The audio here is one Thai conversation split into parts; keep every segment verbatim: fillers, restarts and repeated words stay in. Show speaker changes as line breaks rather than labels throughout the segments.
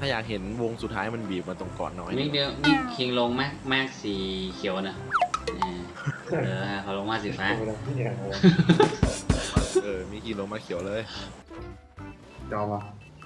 าอยากเห็นวงสุดท้ายมันบีบมาตรงเกาะน้อย
มิกเดียวมิกคิงลงมากมากสีเขียวนะเออเขาลงมาสีฟ้า
เออมีกี่ลงมาเขียวเลย
จอมา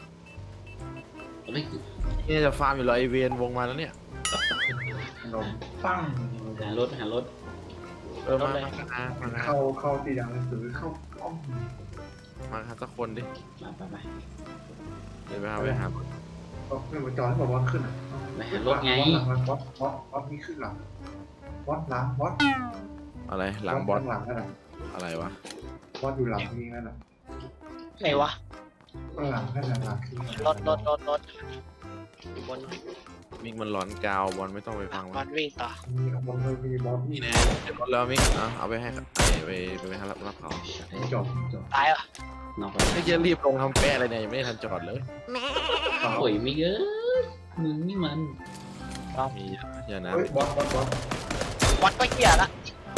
นี่จะฟาร์มอยู่เหรอไอเวนวงมาแล้วเนี่ย
นมปั้ง
หารถหารถ
เออมามามามา
เข้าเข้าตีดังหนังสือเข้าห้อง
มาหาสักคนดิ
มาไปไป
เดี๋ยวไปหาไปหา
ก็เพื่อนมาจอให้บอกว่าขึ้นอ่ะ
ไปหารถไง
วัดวัดวัดวัดนี่ขึ้นหลังวัดหลังวัด
อะไรหลังบอส
หลังนั่นแหละ
อะไรวะ
วัดอยู่หลังนี่นั่นแหละ
ไหนวะ
หลังนั่นแหละหลัง
รถรถรถรถอยู่บน
มิกมันร้อนกาวบอลไม่ต้องไปฟัง
บอ
มัน
ลวิ่งต่อ
มีบอลเลยมีบอล
นี่แน่เดี๋ยวรถแล้วมิกเอาเอาไปให้ไปไปไปให้รับรับเขา
จบจบ
ตายเหรอน
อกไป
ไม่จะรีบลงทำแป้อะไรเนี่ยยังไม่ได้ทันจอดเลย
โอ้ยมิกเอ้ยมึงนี่มัน
มีอย่านะ
เฮ้ยบอลบอลบอล
วัดก็เหี้ยละ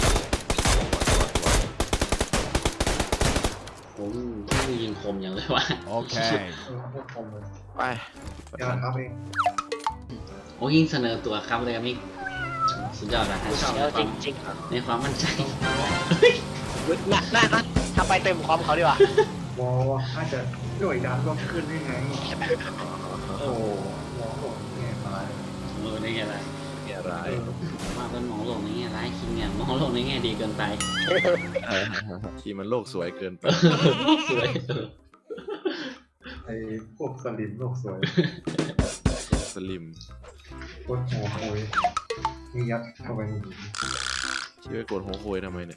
ผมที่ยิงคมอย่างเลยวะ
Okay.
เออพวกคอมเลย
ไป
ยาครับเอง
โอ้ยิงเสนอตัวครับเลยมิกสุดยอดนะ
เดี๋ยวจริงจริง
ในความมั่นใจ
น่าน่าน่าทำไปเต็มความเขาดีกว่า
วอลอาจจะหน่วยดันก็ขึ้นได้ไงโอ้โหวอลบอกแง่ตาย
เออในแง่ไร
แง่ร้าย
ว่าเป็นมองโลกในแง่ร้ายคิงเนี่ยมองโลกในแง่ดีเกินไป
ทีมันโลกสวยเกินไป
สวย
ไอ้พวกสลิมโลกสวย
สลิม
โคตรหัวโอยนี่ยัดเข้าไปในนี้
ชื่อกดหัวโคยทำไมเนี่ย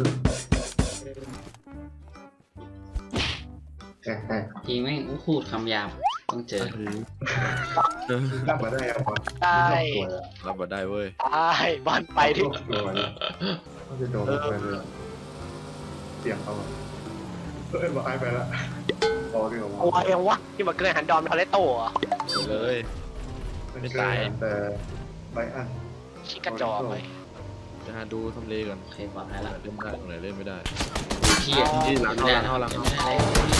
แตกแตก
จริงไหมอู้พูดคำหยาบต้องเจอ
รับมาได้เอาบอล
ได้
รับมาได้เว้ย
ได้บอลไปที่
โลกสวยก็จะโดนไปเลยเสียงเขาเอ้ยบอกไอไปแล้วพอดีกว่า
โอ้ยยังวะที่มันเกิดหันดอมทอเลโต้เหรอ
เลย ไม่ตาย
แต่ใบอัน
ชิกระจอกไป
จะหาดูทำเลก่อน
โอเคปลอดภัยละ
เล่นได้ตรงไหนเล่นไม่ได้
เที่ย
ที่หลังเข้าหลังเข้าหลัง
ไม่ได้เลย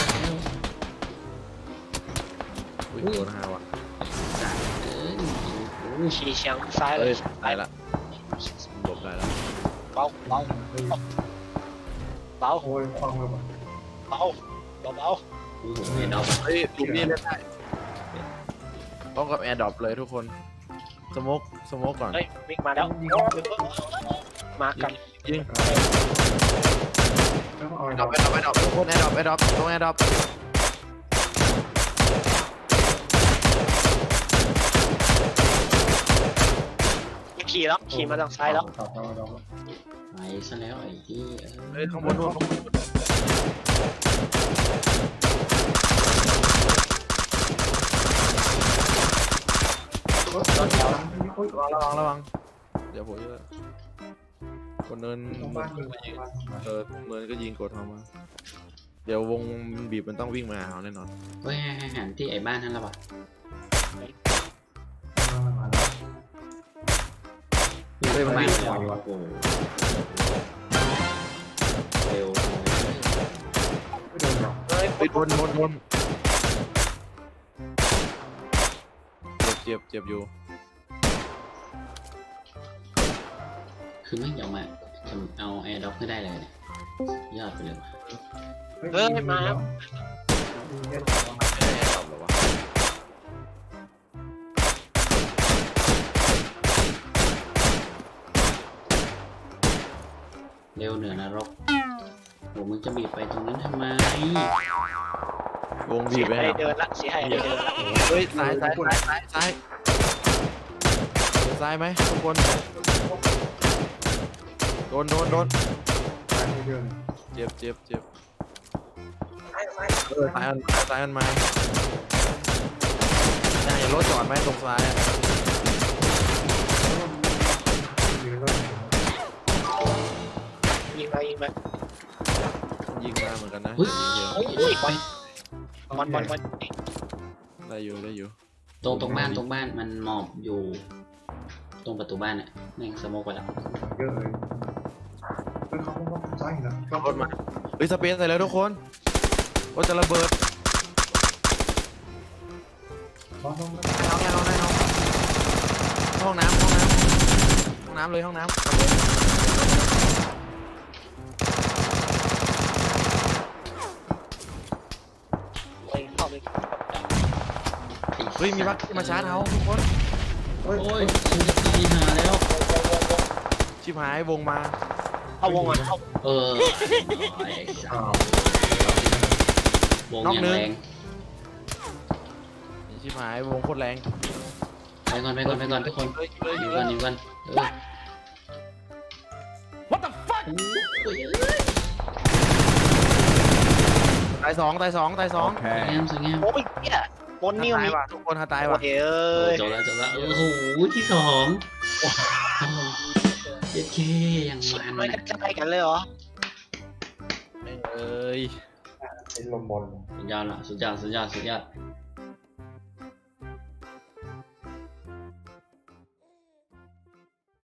อุ้ยโดนหาวะ
เออ
ชี้เชียงซ้ายเล
เอ้
ย
ยได้ละหลบได้แล้ว
เบาเบาเบา
โอ้ยฟังเลยว่ะ
เบาเบาเบา
โอ้โหเห็นเอา
เฮ้ยลูกนี้เล่นได้ต้องกับแอร์ดรอปเลยทุกคนสโมกสโมกก่อน
เฮ้ยวิ่งมาแล้วมากัน
ยิง
แล้วเอา
แอร์ดรอปแอร์ดรอปแอร์ดรอปทุกคนแอร์ดรอปแอร์ดรอปตรงแอร์ดรอป
ขี่แล้วขี่มาทางซ้ายแล้ว
ไปซะแล้วไอ้ที่
เฮ้ยข้างบนนู่นข้างบนระวังระวังระวังเดี๋ยวผมจะคนเนิน
บ้านมึง
เออเนินก็ยิงกดเข้ามาเดี๋ยววงบีบมันต้องวิ่งมาหาเขาแน่นอน
เฮ้ยหันที่ไอ้บ้านนั่นละป่ะเฮ้ยมันมาแล้วโอ้โหเร็ว
ไม่โดนหรอก
เฮ้ย
ไปโดนโดนโดนเจ็บเจ็บเจ็บอยู่
คือไม่ยอมมาเอาแอร์ด็อกไม่ได้เลยเนี่ยยอดไปเลยว่ะ
เฮ้ยมา
ไม่ได้ตอบหรอวะ
เร็วเหนือนรกโหมึงจะบีบไปตรงนั้นทำไม
วงบี
เสี
บ
ย
ไป
ให้
ไหน
เดินละเสียให้เดินละ
เฮ้ยซ้ายซ้ายซ้ายซ้ายซ้ายซ้ายไหมทุกคนโดนโดนโดน
ตายไม่เดิน
เจ็บเจ็บเจ็บเออซ้ายมันซ้ายมันมาน่าจะรถจอดไหมตรงซ้ายอะ
ยิงก็
ยิงมายิงมา
ยิงมาเหมือนกันนะ
เฮ้ย
อุ้ยบอลบอลบอลบอล
ได้อยู่ได้อยู่
ตรงตรงบ้านตรงบ้านมันหมอบอยู่ ตรงประตูบ้านเนี่ยแม่งสโมกไปแล้ว
เยอะเลยเฮ้ยเขาเขาซ้ายนะ
ขับรถมาเฮ้ยสเปซใส่แล้วทุกคนรถจะระเบิด
น้องน้อง
ได้น้องได้น้องได้น้องห้องน้ำห้องน้ำห้องน้ำเลยห้องน้ำ
ไปเข้าไป
เฮ้ยมีบัคที่มาชาร์จเขาทุกคน
เฮ้ย
โอ้ยฉันจะตีหาแล้ว
ชิบหายวงมา
เข้าวงอ่ะเข้า
เออ
อ้าว
วงอย่างแรง
ชิบหายวงโคตรแรง
ไปก่อนไปก่อนไปก่อนทุกคน
เลยเลย
อยู่
เล
กัน
ย
อยู่กันเออ
What the fuck
โอ้ยเอ้ย
ตายสองตายสองตายสอง
สวยงามสวยงาม
โอ้ยเนี่ยบนนี่
ตา
มี
ยว่ะทุกคนฮาตาย
โอ้
ว่ะ
ยเอ้
โอ้
ย
จบแล้วจบแล้วโอ้โหที่สองเจ็ดเคยังมัน
ไม่
นะ
กระจายกันเลยเหรอ
เอ้ย
เป็นลมบอล
สุดยอดละสุดยอดสุดยอดสุดยอด